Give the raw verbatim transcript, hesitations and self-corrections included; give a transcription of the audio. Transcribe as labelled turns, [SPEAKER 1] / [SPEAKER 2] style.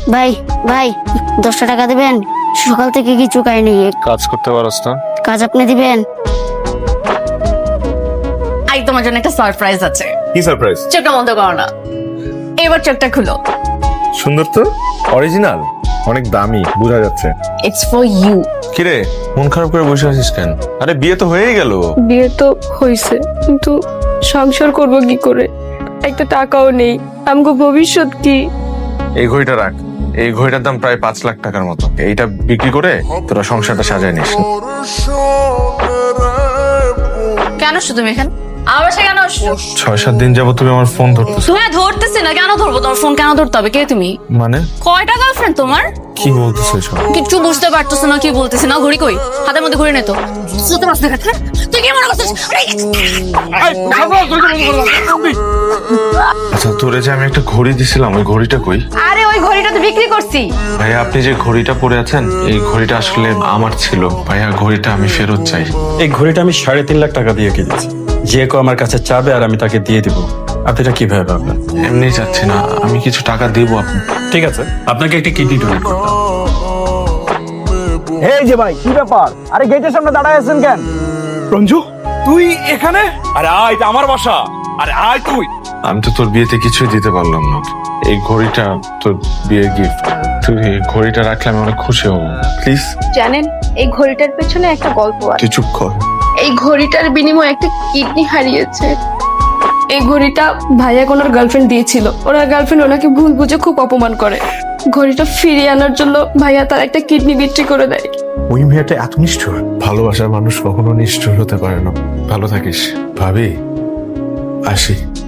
[SPEAKER 1] ভাই ভাই দশটা টাকা দিবেন, সকাল থেকে কিছু খাইনি।
[SPEAKER 2] কাজ করতে পারস না?
[SPEAKER 1] কাজ আপনি দিবেন?
[SPEAKER 3] আই তোমার জন্য একটা সারপ্রাইজ আছে।
[SPEAKER 2] কি সারপ্রাইজ?
[SPEAKER 3] চোখটা বন্ধ করো না, এবার চোখটা খুলো।
[SPEAKER 2] সুন্দর তো, অরিজিনাল, অনেক দামি, বোঝা যাচ্ছে।
[SPEAKER 3] It's for you.
[SPEAKER 2] কিরে মন খারাপ করে বসে আছিস কেন? আরে বিয়ে তো হয়েই গেল।
[SPEAKER 4] বিয়ে তো হয়েছে, কিন্তু সংসার করব কি করে? একটা টাকাও নেই, আমগো ভবিষ্যৎ কি?
[SPEAKER 2] এই ঘড়িটা রাখ, এই ঘড়িটার দাম প্রায় পাঁচ লাখ টাকার মতো। এইটা বিক্রি করে তোরা সংসারটা সাজায় নিস।
[SPEAKER 3] কেন আসছো তুমি এখানে? আমার বাসায় কেন আসছো?
[SPEAKER 2] ছয় সাত দিন যাবো তুমি আমার ফোন ধরতেছো।
[SPEAKER 3] তুমি ধরতেছি না, কেন ধরবো? তোমার ফোন কেন ধরতে হবে? কে তুমি?
[SPEAKER 2] মানে
[SPEAKER 3] কয়টা গার্লফ্রেন্ড তোমার?
[SPEAKER 2] কি বলতেছো এসব?
[SPEAKER 3] কিচ্ছু বুঝতে পারতেছো না কি বলতেছি না। ঘড়ি কই? হাতের মধ্যে ঘড়ি নে তো। বুঝতে পারছ না কথা? তুই কি মনে করছিস?
[SPEAKER 2] আচ্ছা তোরে যে আমি একটা ঘড়ি দিছিলাম, ওই ঘড়িটা কই?
[SPEAKER 3] আরে ওই ঘড়িটা তো বিক্রি করছি।
[SPEAKER 2] ভাইয়া আপনি যে ঘড়িটা পরে আছেন, এই ঘড়িটা আসলে আমার ছিল। ভাইয়া ঘড়িটা আমি ফেরত চাই।
[SPEAKER 5] এই ঘড়িটা আমি সাড়ে তিন লাখ টাকা দিয়ে কিনেছি। যে কেউ আমার কাছে চাবে আর আমি তাকে দিয়ে দিব। আপনি এটা কিভাবে ভাবলেন?
[SPEAKER 2] এমনি চাচ্ছি না, আমি কিছু টাকা দিব আপনি।
[SPEAKER 5] ঠিক আছে, আপনাকে একটা কিডনি ডোনেট করতে হবে।
[SPEAKER 6] এই যে ভাই, কি ব্যাপার? আরে গেটের সামনে দাঁড়ায় আছেন কেন?
[SPEAKER 7] রঞ্জু তুই এখানে? আরে আয়, এটা আমার বাসা। আরে আয় তুই।
[SPEAKER 2] আমি তো তোর বিয়েতে কিছুই দিতে পারলাম না। এই ঘড়িটা তোর বিয়ের গিফট, তুই এই ঘড়িটা রাখলে আমি অনেক খুশি হব। প্লিজ।
[SPEAKER 4] জানেন এই ঘড়িটার পেছনে একটা গল্প আছে।
[SPEAKER 2] তুই চুপ কর।
[SPEAKER 4] এই ঘড়িটার বিনিময়ে একটা কিডনি হারিয়েছে। এই ঘড়িটা ভাইয়া ওনার গার্লফ্রেন্ড দিয়েছিল। ওনার গার্লফ্রেন্ড ওনাকে ভুল বুঝে খুব অপমান করে। ঘড়িটা ফিরিয়ে আনার জন্য ভাইয়া তার একটা কিডনি বিক্রি করে দেয়।
[SPEAKER 7] ওই মেয়েটা এত নিষ্ঠুর।
[SPEAKER 2] ভালোবাসার মানুষ কখনো নিষ্ঠুর হতে পারে না। ভালো থাকিস ভাবি, আসি।